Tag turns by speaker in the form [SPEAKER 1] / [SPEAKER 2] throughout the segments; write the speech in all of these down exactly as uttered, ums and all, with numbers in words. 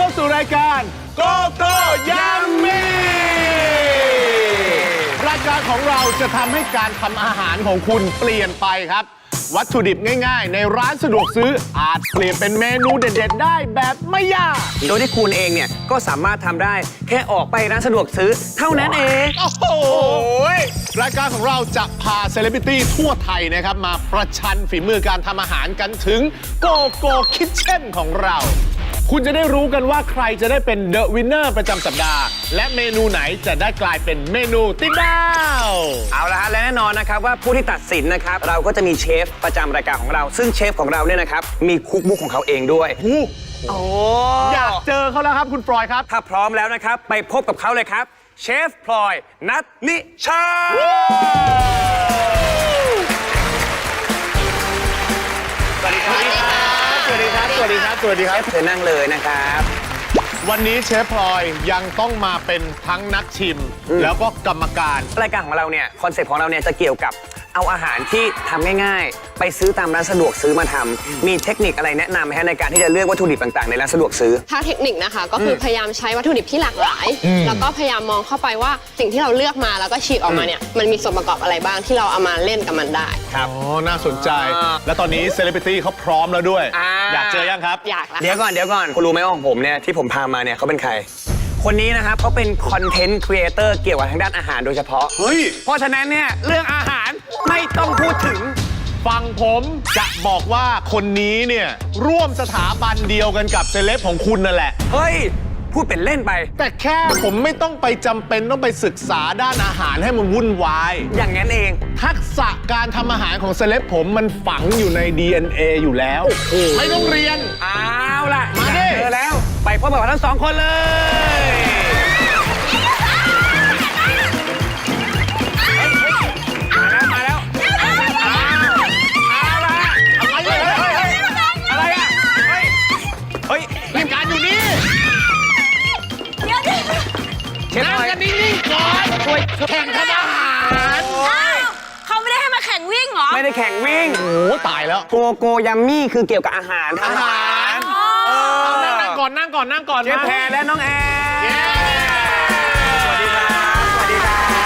[SPEAKER 1] เข้าสู่รายการโกโก้ยัมมี่รายการของเราจะทำให้การทำอาหารของคุณเปลี่ยนไปครับวัตถุดิบง่ายๆในร้านสะดวกซื้ออาจเปลี่ยนเป็นเมนูเด็ดๆได้แบบไม่ยาก
[SPEAKER 2] โดยที่คุณเองเนี่ยก็สามารถทำได้แค่ออกไปร้านสะดวกซื้อเท่านั้นเอง
[SPEAKER 1] โอ้โหรายการของเราจะพาเซเลบริตี้ทั่วไทยนะครับมาประชันฝีมือการทำอาหารกันถึงโกโก้คิทเช่นของเราคุณจะได้รู้กันว่าใครจะได้เป็นเดอะวินเนอร์ประจำสัปดาห์และเมนูไหนจะได้กลายเป็นเมนูติดดาว
[SPEAKER 2] เอาละฮะและแน่นอนนะครับว่าผู้ที่ตัดสินนะครับเราก็จะมีเชฟประจำรายการของเราซึ่งเชฟของเราเนี่ยนะครับมีคุกบุ๊กของเขาเองด้วย
[SPEAKER 1] โอ้อยากเจอเขาแล้วครับคุณพลอยครับ
[SPEAKER 2] ถ้าพร้อมแล้วนะครับไปพบกับเขาเลยครับเชฟพลอยนัทนิชาสวัสดีครับ
[SPEAKER 1] สวัสดีครับสวัสดีครับสวัสดีครับ
[SPEAKER 2] เชิญนั่งเลยนะครับ
[SPEAKER 1] วันนี้เชฟพลอยยังต้องมาเป็นทั้งนักชิมแล้วก็กรรมการ
[SPEAKER 2] รายการของเราเนี่ยคอนเซ็ปต์ของเราเนี่ยจะเกี่ยวกับเอาอาหารที่ทำง่ายๆไปซื้อตามร้านสะดวกซื้อมาทำมีเทคนิคอะไรแนะนำไหมฮะในการที่จะเลือกวัตถุดิบต่างๆในร้านสะดวกซื้อ
[SPEAKER 3] ถ้าเทคนิคนะคะก็คือพยายามใช้วัตถุดิบที่หลากหลายแล้วก็พยายามมองเข้าไปว่าสิ่งที่เราเลือกมาแล้วก็ฉีกออกมาเนี่ยมันมีส่วนประกอบอะไรบ้างที่เราเอามาเล่นกับมันได้
[SPEAKER 1] ครับอ๋อน่าสนใจและตอนนี้เซเลบริตี้เขาพร้อมแล้วด้วยอยากเจอยังครับ
[SPEAKER 3] อยากแล้ว
[SPEAKER 2] เดี๋ยวก่อนเดี๋ยวก่อนคุณรู้ไหมว่าของผมเนี่ยที่ผมพามาเนี่ยเขาเป็นใครคนนี้นะครับเขาเป็นคอนเทนต์ครีเอเตอร์เกี่ยวกับทางด้านอาหารโดยเฉพาะ
[SPEAKER 1] เฮ้ย
[SPEAKER 2] เพราะฉะนั้นเนี่ยเรื่องอาหารไม่ต้องพูดถึง
[SPEAKER 1] ฟังผมจะบอกว่าคนนี้เนี่ยร่วมสถาบันเดียวกันกับเซเลบของคุณนั่นแหละ
[SPEAKER 2] เฮ้ยพูดเป็นเล่นไป
[SPEAKER 1] แต่แค่ผมไม่ต้องไปจำเป็นต้องไปศึกษาด้านอาหารให้มันวุ่นวาย
[SPEAKER 2] อย่างนั้นเอง
[SPEAKER 1] ทักษะการทำอาหารของเซเลบผมมันฝังอยู่ใน ดี เอ็น เอ อยู่แล้วไม่ต้องเรียน
[SPEAKER 2] เอาล่ะ
[SPEAKER 1] มาดิ
[SPEAKER 2] เจอแล้วไปพบกับทั้งสองคนเลยมาแล้วเอาล่ะอะไรอะเฮ้ย
[SPEAKER 1] รายการอยู่นี่
[SPEAKER 4] เดี๋ยวดิ
[SPEAKER 1] นั่งกันนิ่งๆก่อนช่วยแข่งทำอาหาร
[SPEAKER 4] เขาไม่ได้ให้มาแข่งวิ่งเหรอ
[SPEAKER 2] ไม่ได้แข่งวิ่ง
[SPEAKER 1] โอ้ตายแล้ว
[SPEAKER 2] โกโกยัมมี่คือเกี่ยวกับอาหาร
[SPEAKER 1] อาหารนั่งก่อนนั่งก่อนนั่งก่อน
[SPEAKER 2] เชฟแพรและน้องแอร์สวัสดีครับสวัสดีครับ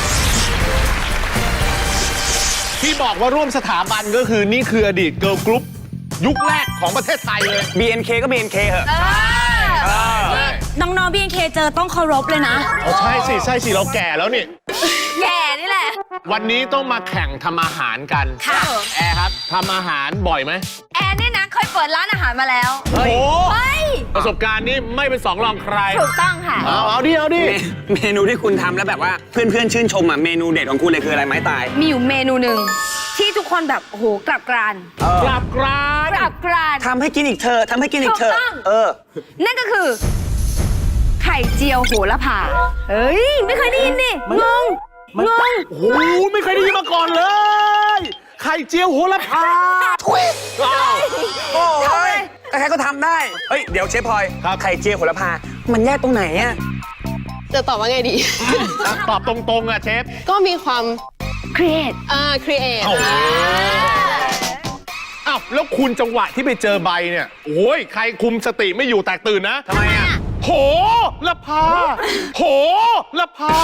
[SPEAKER 1] ที่บอกว่าร่วมสถาบันก็คือนี่คืออดีตเกิร์ลกรุ๊ปยุคแรกของประเทศไทยเลย
[SPEAKER 2] บี เอ็น เค ก็ บี เอ็น เค เหอะ
[SPEAKER 4] น้องๆ บี เอ็น เค เจอต้องเคารพเลยนะ
[SPEAKER 1] อ๋อใช่สิใช่สิเราแก่แล้วนี่
[SPEAKER 4] แก่นี่แหละ
[SPEAKER 1] วันนี้ต้องมาแข่งทำอาหารกัน
[SPEAKER 4] ค่ะ
[SPEAKER 1] แอร์ครับทำอาหารบ่อยไหม
[SPEAKER 4] แอร์นี่นะเคยเปิดร้านอาหารมาแล้ว
[SPEAKER 1] โอ้โห
[SPEAKER 4] ป
[SPEAKER 1] ระสบการณ์นี้ไม่เป็นสองรองใคร
[SPEAKER 4] ถูกต้องค่ะ
[SPEAKER 1] เอาเอาดิเอาดิ
[SPEAKER 2] เมนูที่คุณทำแล้วแบบว่าเพื่อนๆชื่นชมอ่ะเมนูเด็ดของคุณเลยคืออะไรไม้ตาย
[SPEAKER 4] มีอยู่เมนูหนึ่งที่ทุกคนแบบโอ้โหกลับกราน
[SPEAKER 1] กลับกราน
[SPEAKER 4] กลับกราน
[SPEAKER 2] ทำให้กินอีกเธอทำให้กินอีกเธอเออ
[SPEAKER 4] นั่นก็คือไข่เจียวโหระพาเฮ้ยไม่เคยได้ยินดิงงงง
[SPEAKER 1] โอ้โหไม่เคยได้ยินมาก่อนเลยไข่เจียวโหระพา
[SPEAKER 2] ทุยโอ้ยใครก็ทำได้เฮ้ยเดี๋ยวเชฟพลอยไข่เจียวโหระพามันแยกตรงไหนอะ
[SPEAKER 3] จะตอบว่าไงดี
[SPEAKER 1] ตอบตรงๆอะเชฟ
[SPEAKER 3] ก็มีความ
[SPEAKER 4] ครีเอท
[SPEAKER 3] อ่าครีเอท
[SPEAKER 1] อ้าวแล้วคุณจังหวะที่ไปเจอใบเนี่ยโอ้ยใครคุมสติไม่อยู่แตกตื่นนะ
[SPEAKER 2] ทำไมอะ
[SPEAKER 1] โหระพาโหระพา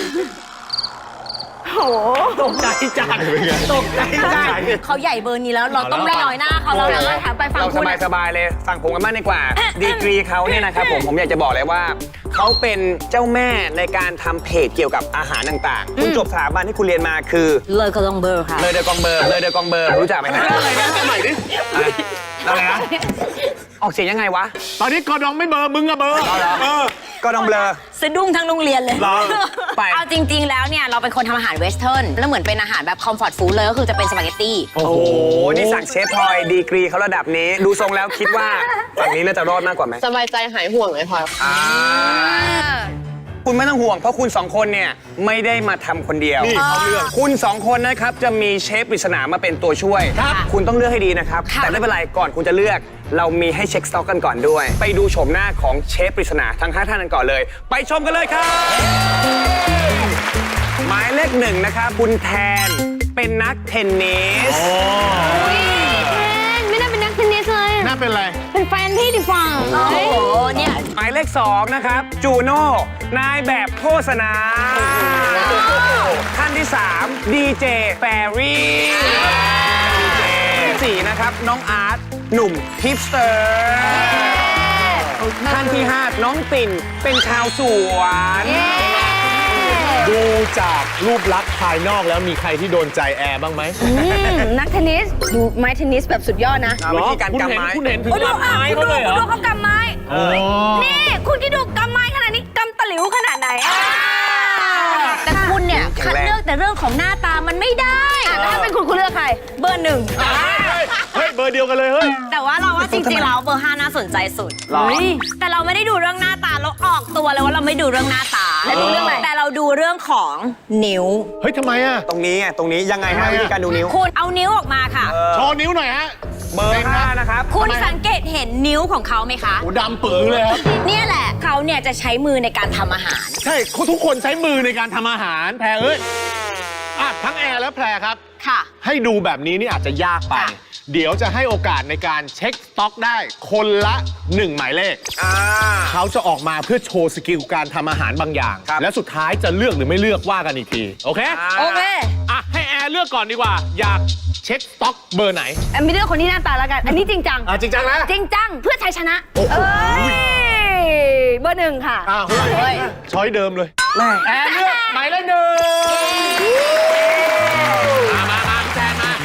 [SPEAKER 4] โห
[SPEAKER 1] ตกใจจังตกใจจัง
[SPEAKER 4] เขาใหญ่เบอร์นี้แล้วเราต้องไม่น้อยหน้าเขาแล้วนะถามไปฟังคุณ
[SPEAKER 2] เราสบายๆเลยฟังผมกันบ้างดีกว่าดีกรีเขาเนี่ยนะครับผมผมอยากจะบอกเลยว่าเขาเป็นเจ้าแม่ในการทำเพจเกี่ยวกับอาหารต่างๆคุณจบสถาบันที่คุณเรียนมาคือ
[SPEAKER 4] เลยกองเบอร์ค่ะ
[SPEAKER 2] เลยเดอกองเบอร์เลยเดอกองเบอร์รู้จักไหมฮะ
[SPEAKER 1] อะไรนะใหม่ดิ
[SPEAKER 2] อะไรนะออกเสียงยังไงวะ
[SPEAKER 1] ตอนนี้กอดองไม่เบอร์มึงอะเบอร์
[SPEAKER 2] เออก็ต้องเบลอ
[SPEAKER 4] สะดุ้งทั้งโรงเรียนเลย
[SPEAKER 2] ไป
[SPEAKER 4] เอาจริงๆแล้วเนี่ยเราเป็นคนทำอาหารเวสเทิร์นแล้วเหมือนเป็นอาหารแบบคอมฟอร์ตฟู้ดเลยก็คือจะเป็นสปาเกตตี้
[SPEAKER 2] โอ้โหนี่สั่งเชฟพลอยดีกรีเขาระดับนี้ดูทรงแล้วคิดว่าฝั่งนี้น่าจะรอดมากกว่าไหม
[SPEAKER 3] สบายใจหายห่วงเลยพลอย
[SPEAKER 2] คุณไม่ต้องห่วงเพราะคุณสองคนเนี่ยไม่ได้มาทำคนเดียว
[SPEAKER 1] นี่เขาเลือก
[SPEAKER 2] คุณสองคนนะครับจะมีเชฟปริศนามาเป็นตัวช่วยคุณต้องเลือกให้ดีนะครับแต่ไม่เป็นไรก่อนคุณจะเลือกเรามีให้เช็คสต็อกกันก่อนด้วยไปดูโฉมหน้าของเชฟปริศนาทั้งห้าท่านกันก่อนเลยไปชมกันเลยครับหมายเลขหนึ่งนะครับคุณแทนเป็นนักเทนนิส
[SPEAKER 4] แทนไม่น่าเป็นนักเทนนิสเลย
[SPEAKER 1] น่าเป็นอะไร
[SPEAKER 4] เป็นแฟนพี่ดิฟังโอ้โหเนี่ย
[SPEAKER 2] เลขสองนะครับจูโน่นายแบบโฆษณาท่านที่สามดีเจแฟรี่สี่นะครับน้องอาร์ตหนุ่มฮิปสเตอร์ท่านที่ห้าน้องปิ่นเป็นชาวสวน
[SPEAKER 1] ดูจากรูปลักษณ์ภายนอกแล้วมีใครที่โดนใจแอร์บ้างไหม
[SPEAKER 4] อืมนักเทนนิส ดูไม้เทนนิสแบบสุดยอดนะ
[SPEAKER 2] วิธีการกำไม้
[SPEAKER 1] คุณเห็นถึง
[SPEAKER 4] โอ้ดู
[SPEAKER 1] ลำ
[SPEAKER 4] อ่ะ
[SPEAKER 1] ไม้
[SPEAKER 4] คุณ
[SPEAKER 1] เขา
[SPEAKER 4] ดู
[SPEAKER 1] เลยเหร
[SPEAKER 4] คุณ
[SPEAKER 1] อ
[SPEAKER 4] ดูเขากำไม้
[SPEAKER 1] อ๋อ
[SPEAKER 4] นี่คุณคิดดูกำไม้ขนาดนี้กำตะหลิวขนาดไหนอ่ะแต่คุณเนี่ยคัดเลือกแต่เรื่องของหน้าตามันไม่ได้อ่ะแล้วถ้าเป็นคุณคุณเลือกใคร เบอร์หนึ่ง
[SPEAKER 1] เฮ้ยเบอร์เดียวกันเลยเฮ้ย
[SPEAKER 5] แต่ว่าเราว่าจริงๆแล้วเบอร์ห้าน่าสนใจสุด
[SPEAKER 2] หรอ
[SPEAKER 5] แต่เราไม่ได้ดูเรื่องหน้าตาเราออกตัวเลยว่าเราไม่ดูเรื่องหน้าตา
[SPEAKER 4] แล้วดูเรื่องอะไร
[SPEAKER 5] แต่เราดูเรื่องของนิ้ว
[SPEAKER 1] เฮ้ยทำไมอ่ะ
[SPEAKER 2] ตรงนี้ไงตรงนี้ยังไงฮะ
[SPEAKER 1] ทำไมอะ
[SPEAKER 2] วิธีการดูนิ้ว
[SPEAKER 5] คุณเอานิ้วออกมาค่ะ
[SPEAKER 1] โชว์นิ้วหน่อยฮะ
[SPEAKER 2] เบอร์ห้านะครับ
[SPEAKER 5] คุณสังเกตเห็นนิ้วของเขาไหมคะ
[SPEAKER 1] โอ้ดำปื้อเลยครับ
[SPEAKER 5] เนี่ยแหละเขาเนี่ยจะใช้มือในการทำอาหาร
[SPEAKER 1] ใช่ทุกคนใช้มือในการทำอาหารแพรเอ้ยอ่ะทั้งแอร์และแพรครับ
[SPEAKER 5] ค่ะ
[SPEAKER 1] ให้ดูแบบนี้นี่อาจจะยากไป
[SPEAKER 5] ค่ะ
[SPEAKER 1] เดี๋ยวจะให้โอกาสในการเช็คสต็อกได้คนละหนึ่งหมายเลข
[SPEAKER 2] อ่า
[SPEAKER 1] เขาจะออกมาเพื่อโชว์สกิลการทำอาหารบางอย่าง
[SPEAKER 2] ครับ
[SPEAKER 1] และสุดท้ายจะเลือกหรือไม่เลือกว่ากันอีกที โอเค
[SPEAKER 4] โอเค
[SPEAKER 1] อ่ะ ให้แอร์เลือกก่อนดีกว่า อยากเช็คสต็อกเบอร์ไหน
[SPEAKER 4] แอมไม่เลือกคนที่หน้าตาแล้วกัน อันนี้จริงจัง
[SPEAKER 1] อ่ะ จริงจังนะ
[SPEAKER 4] จริงจังเพื่อชัยชนะ
[SPEAKER 1] โอ้โห
[SPEAKER 4] เอ้ย เบอร์หนึ่งค่ะ
[SPEAKER 1] อ่ะเฮ้ยช้อยเดิมเลย
[SPEAKER 2] แม่
[SPEAKER 1] แอร์เลือกหมายเลขหนึ่งมามามาพี่แทนมา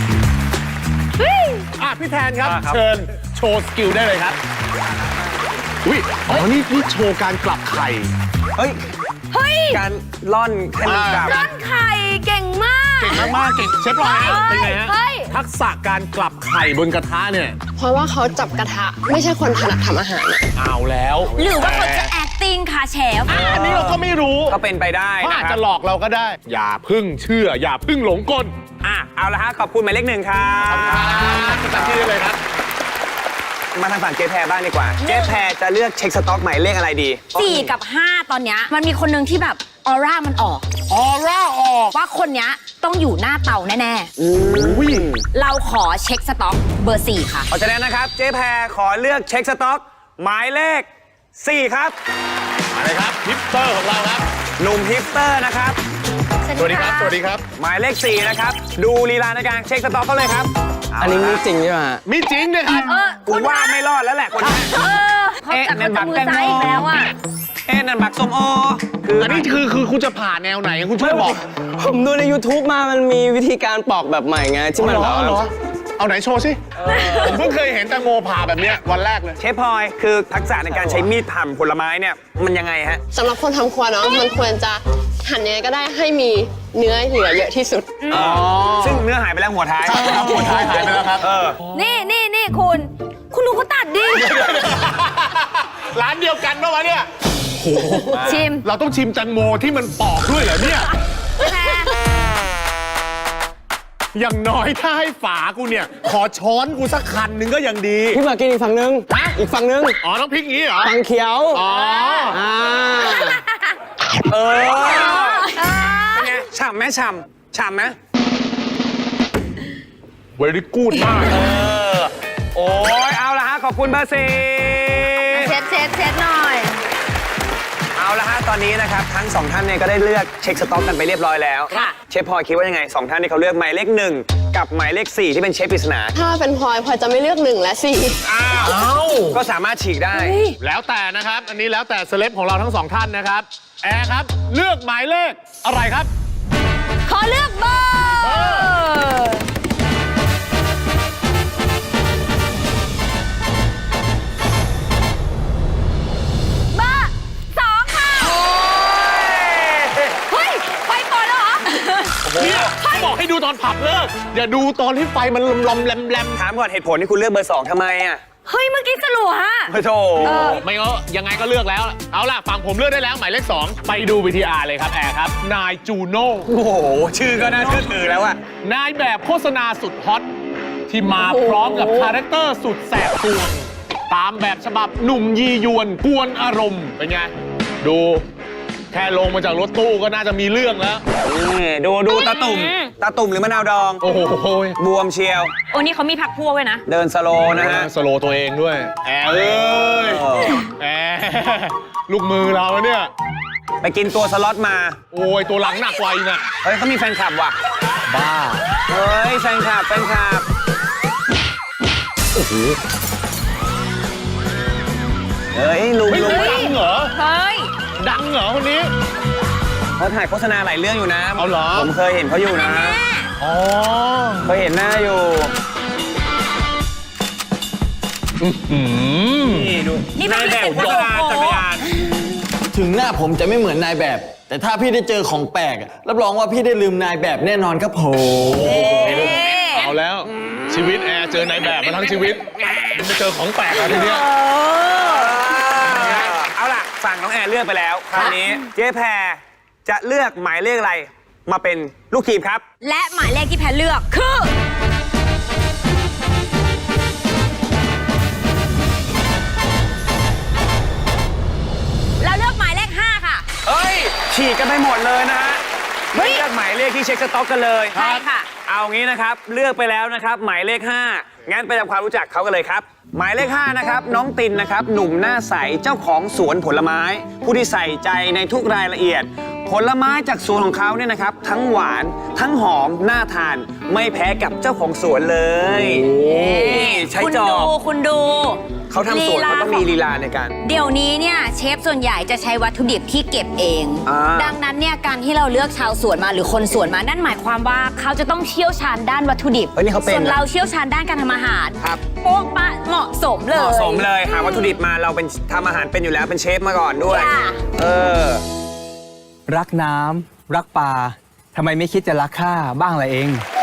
[SPEAKER 1] อ่ะพี่แทนครับ เชิญโชว์สกิลได้เลยครับอุ้ยอ๋อนี่นี่โชว์การกลับไข่
[SPEAKER 2] เฮ้ย
[SPEAKER 4] เฮ้ย
[SPEAKER 2] การล่อนแค่นี้กับ
[SPEAKER 4] ร่อนไข่เก่งมาก
[SPEAKER 1] เก่งมากๆเก่งเชฟรอยฮะเป็นไงฮะ
[SPEAKER 4] เฮ้ย
[SPEAKER 1] ทักษะการกลับไข่บนกระทะเนี่ย
[SPEAKER 3] เพราะว่าเขาจับกระทะไม่ใช่คนถนัดทำอาหารอะ
[SPEAKER 1] เอาแล้ว
[SPEAKER 5] หรือว่าเขาจะ acting ค่ะเชฟ
[SPEAKER 1] อ่ะอันนี้เราก็ไม่รู้
[SPEAKER 2] ก็เป็นไปได้
[SPEAKER 1] เขา
[SPEAKER 2] นะ
[SPEAKER 1] อาจ
[SPEAKER 2] ครั
[SPEAKER 1] จะ
[SPEAKER 2] บ
[SPEAKER 1] หลอกเราก็ได้ อย่าพึ่งเชื่อ อย่าพึ่งหลงกล
[SPEAKER 2] อ่ะเอาละฮะขอบคุณหมายเลขหนึ่งครับ
[SPEAKER 1] ประจำที่ได้เลยครับ
[SPEAKER 2] มาทางฝั่งเจ๊แพรบ้างดีกว่า เจ๊แพรจะเลือกเช็คสต็อกหมายเลขอะไรดี
[SPEAKER 5] สี่กับห้าตอนเนี้ยมันมีคนหนึ่งที่แบบออร่ามันออก
[SPEAKER 1] ออร่าออก
[SPEAKER 5] ว่าคนเนี้ยต้องอยู่หน้าเตาแน่
[SPEAKER 1] อุ้ย
[SPEAKER 5] ๆ เราขอเช็คสต็อกเบอร์สี่ค่ะ
[SPEAKER 2] เพราะฉะนั้นนะครับ เจ๊แพรขอเลือกเช็คสต็อก หมายเลขสี่ครับ
[SPEAKER 1] อะไรครับฮิปสเตอร์ของเราครับ
[SPEAKER 2] หนุ่มฮิปสเตอร์นะครับ
[SPEAKER 1] สวัสดีครับ สวัสดีครับ
[SPEAKER 2] หมายเลขสี่นะครับ ดูลีลาในการเช็คสต็อกเขาเลยครับ
[SPEAKER 6] อันนี้มีจริงใช่ไหมฮะ
[SPEAKER 1] มีจริงด้วยครับ
[SPEAKER 4] เออ
[SPEAKER 2] กูว่าไม่รอดแล้วแหละคนนี้
[SPEAKER 4] เออเขาจับเขาจับมือซ้ายอีกแล้วอ่ะ
[SPEAKER 2] เอ๊ะนั่นบักส้มโอคือ
[SPEAKER 1] อันนี้คือคือคุณจะผ่าแนวไหนคุณช่วยบอก
[SPEAKER 6] ผมดูใน YouTube มามันมีวิธีการปอกแบบใหม่ไง ที่มัน
[SPEAKER 1] เหร
[SPEAKER 6] แบ
[SPEAKER 1] อบ เหรอ
[SPEAKER 6] ว่า
[SPEAKER 1] เอาไหนโชว์สิผมเพิ่งเคยเห็นแตงโมผ่าแบบเนี้ยวันแรกเลย
[SPEAKER 2] เชฟพลอยคือทักษะในการใช้มีดผ่าผลไม้เนี่ยมันยังไงฮะ
[SPEAKER 3] สำหรับคนทำครัวเนาะมันควรจะหั่นยังไงก็ได้ให้มีเนื้อเหลือเยอะที่สุด
[SPEAKER 1] อ๋อ
[SPEAKER 2] ซึ่งเนื้อหายไปแล้วหัวท้าย
[SPEAKER 1] ใช่ครับหัวท้ายหายไปแล้วครับ
[SPEAKER 2] เออ
[SPEAKER 4] นี่นี่นี่คุณ คุณดูเขาตัดดิ
[SPEAKER 1] ร้านเดียวกันปะวะเนี่ย
[SPEAKER 4] ชิม
[SPEAKER 1] เราต้องชิมแตงโมที่มันปอกด้วยเหรอเนี่ย
[SPEAKER 4] แพร
[SPEAKER 1] อย่างน้อยถ้าให้ฝากูเนี่ย ขอช้อนกูสักคันหนึงก็ยังดี
[SPEAKER 6] พี่มากินอีกฝั่งนึง อีกฝั่งนึง
[SPEAKER 1] อ๋อ ต้องพลิกงี้เหรอ
[SPEAKER 6] ฝั่งเขียว
[SPEAKER 1] อ๋อ
[SPEAKER 6] อ่า
[SPEAKER 2] เออ
[SPEAKER 4] เออ
[SPEAKER 2] เป็นไงฉ่ำไหมฉ่ำฉ่ำไหม
[SPEAKER 1] เวรี่กูดมาก
[SPEAKER 2] เออ โอ้ยเอาละฮะ ขอบคุณเบอร์สี่
[SPEAKER 4] เช็ดเช็ดเช็ดหน่อย
[SPEAKER 2] เอาละฮะ ตอนนี้นะครับ ทั้งสองท่านเนี่ยก็ได้เลือกเช็คสต็อกกันไปเรียบร้อยแล้ว
[SPEAKER 5] ค่ะ
[SPEAKER 2] เชฟพลอยคิดว่ายังไงสองท่านที่เขาเลือกหมายเลขหนึ่งกับหมายเลขสี่ที่เป็นเชฟปริศนา
[SPEAKER 3] ถ้าเป็นพลอยพลอยจะไม่เลือกหนึ่งและสี่
[SPEAKER 2] อ้าว
[SPEAKER 1] เอ้า
[SPEAKER 2] ก็สามารถฉีกได้
[SPEAKER 1] แล้วแต่นะครับ อันนี้แล้วแต่เซเลบของเราทั้งสองท่านนะครับ แอร์ครับ เลือกหมายเลขอะไรครับ
[SPEAKER 4] ขอเลือกเบอร์เบอร์สองค่ะ เฮ้ย ไปก่อนแล้วเหรอ
[SPEAKER 1] เนี่ยเขาบอกให้ดูตอนผับเลิก อย่าดูตอนที่ไฟมันลมลมๆแลมแลม
[SPEAKER 2] ถามก่อนเหตุผลที่คุณเลือกเบอร์สองทำไมอ่ะ
[SPEAKER 4] เฮ้ย เมื่อกี้สลัวฮะ
[SPEAKER 2] โอ้โถ
[SPEAKER 1] ๆไม่ก็ยังไงก็เลือกแล้ว เอาล่ะ ฝั่งผมเลือกได้แล้ว หมายเลขสองไปดูวีทีอาร์เลยครับ แอร์ครับ นายจูโน่
[SPEAKER 2] โอ้โห ชื่อก็น่าเชื่อถือแล้วอะ
[SPEAKER 1] นายแบบโฆษณาสุดฮอต ที่มาพร้อมกับคาแรคเตอร์สุดแสบสวงตามแบบฉบับหนุ่มยียวนกวนอารมณ์ เป็นไง ดู แค่ลงมาจากรถตู้ก็น่าจะมีเรื่องแล้ว
[SPEAKER 2] นี่ดูดูตาตุ่ม ตาตุ่มหรือมะนาวดอง
[SPEAKER 1] โอ้โห
[SPEAKER 2] บวมเชียว
[SPEAKER 5] โอ้นี่เขามีพักพวกไว้นะ
[SPEAKER 2] เดินสโลว์นะฮะ
[SPEAKER 1] สโลว์ตัวเองด้วย แอร์เอ้ย
[SPEAKER 2] เออ
[SPEAKER 1] แอร์ลูกมือเราเนี่ย
[SPEAKER 2] ไปกินตัวสล็อตมา
[SPEAKER 1] โอ้ยตัวหลังหนักกว่าอีกน่ะ
[SPEAKER 2] เฮ้ยเขามีแฟนคลับว่ะ
[SPEAKER 1] บ้า
[SPEAKER 2] เฮ้ยแฟนคลับแฟนคลับ
[SPEAKER 1] โอ้โห
[SPEAKER 2] เฮ้ยลุง
[SPEAKER 1] เฮ้ย
[SPEAKER 2] ลุง
[SPEAKER 1] ดังเหรอ
[SPEAKER 4] เฮ้ย
[SPEAKER 1] ดังเหรอคนนี้
[SPEAKER 2] เขาถ่ายโฆษณาหลายเรื่องอยู่นะ
[SPEAKER 1] เอาเหรอ
[SPEAKER 2] ผมเคยเห็นเขาอยู่นะ
[SPEAKER 1] อ๋อ
[SPEAKER 2] เคยเห็นหน้าอยู่
[SPEAKER 1] อืม
[SPEAKER 2] นี่ดู
[SPEAKER 4] นี่เป็น
[SPEAKER 2] นายแบบ
[SPEAKER 4] โอ้
[SPEAKER 2] โฆ
[SPEAKER 4] โห
[SPEAKER 2] ษณาจักรยาน
[SPEAKER 6] ถึงหน้าผมจะไม่เหมือนนายแบบ แต่ถ้าพี่ได้เจอของแปลกอะรับรองว่าพี่ได้ลืมนายแบบแน่นอนครับผม
[SPEAKER 1] เอาแล้ว ชีวิตแอร์เจอนายแบบมาทั้งชีวิตไม่เจอของแปลกอะทีเนี้ย
[SPEAKER 2] เอาล่ะฝั่งน้องแอนเลือกไปแล้ว คราวนี้เจ๊แพรจะเลือกหมายเลขอะไรมาเป็นลูกทีมครับ
[SPEAKER 4] และหมายเลขที่แพรเลือกคือ เราเลือกหมายเลขห้าค่ะ
[SPEAKER 2] เอ้ย ฉีกกันไปหมดเลยนะฮะไม่เลือกหมายเลขที่เช็คสต็อกกันเลย
[SPEAKER 4] ใช่ค่ะ
[SPEAKER 2] เอางี้นะครับ เลือกไปแล้วนะครับ หมายเลขห้างั้นไปทำความรู้จักเขากันเลยครับ หมายเลขห้านะครับ น้องตินนะครับ หนุ่มหน้าใส เจ้าของสวนผลไม้ ผู้ที่ใส่ใจในทุกรายละเอียด ผลไม้จากสวนของเขาเนี่ยนะครับ ทั้งหวาน ทั้งหอม น่าทาน ไม่แพ้กับเจ้าของสวนเลยนี่ใช้
[SPEAKER 4] คุณ
[SPEAKER 2] จอ
[SPEAKER 4] ดู
[SPEAKER 2] บ
[SPEAKER 4] คุณดู
[SPEAKER 2] เขาทำสวนเขาต้องมีลีลาในการ
[SPEAKER 4] เดี๋ยวนี้เนี่ยเชฟส่วนใหญ่จะใช้วัตถุดิบที่เก็บเอง
[SPEAKER 2] อ่า
[SPEAKER 4] ดังนั้นเนี่ยการที่เราเลือกชาวสวนมาหรือคนสวนมานั่นหมายความว่าเขาจะต้องเชี่ยวชาญด้านวัตถุดิบ
[SPEAKER 2] เฮ้ยนี่เขาเป็น
[SPEAKER 4] ส่วน
[SPEAKER 2] นะ
[SPEAKER 4] เราเชี่ยวชาญด้านการทำอาหาร
[SPEAKER 2] ครับ
[SPEAKER 4] โป๊ะปะเหมาะสมเลย
[SPEAKER 2] เหมาะสมเลยหาวัตถุดิบมาเราเป็นทำอาหารเป็นอยู่แล้วเป็นเชฟมาก่อนด้วย
[SPEAKER 4] จ้ะ
[SPEAKER 2] เออ
[SPEAKER 7] รักน้ำรักปลาทำไมไม่คิดจะรักข้าบ้างล่ะเอง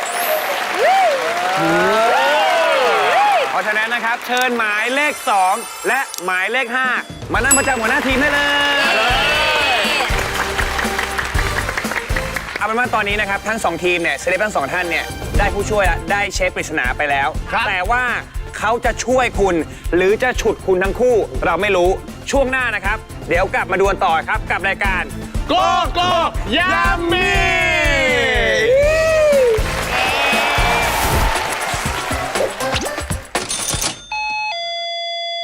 [SPEAKER 2] เพราะฉะนั้นนะครับ เชิญหมายเลขสองและหมายเลขห้ามานั่งประจำหัวหน้าทีมได้เลยเอาเป็นว่าตอนนี้นะครับทั้งสองทีมเนี่ยเซเลบทั้งสองท่านเนี่ยได้ผู้ช่วยและได้เชฟปริศนาไปแล้ว แต่ว่าเขาจะช่วยคุณ หรือจะฉุดคุณทั้งคู่เราไม่รู้ช่วงหน้านะครับ เดี๋ยวกลับมาดูกันต่อครับกับรายการ
[SPEAKER 1] โกโก้ยามี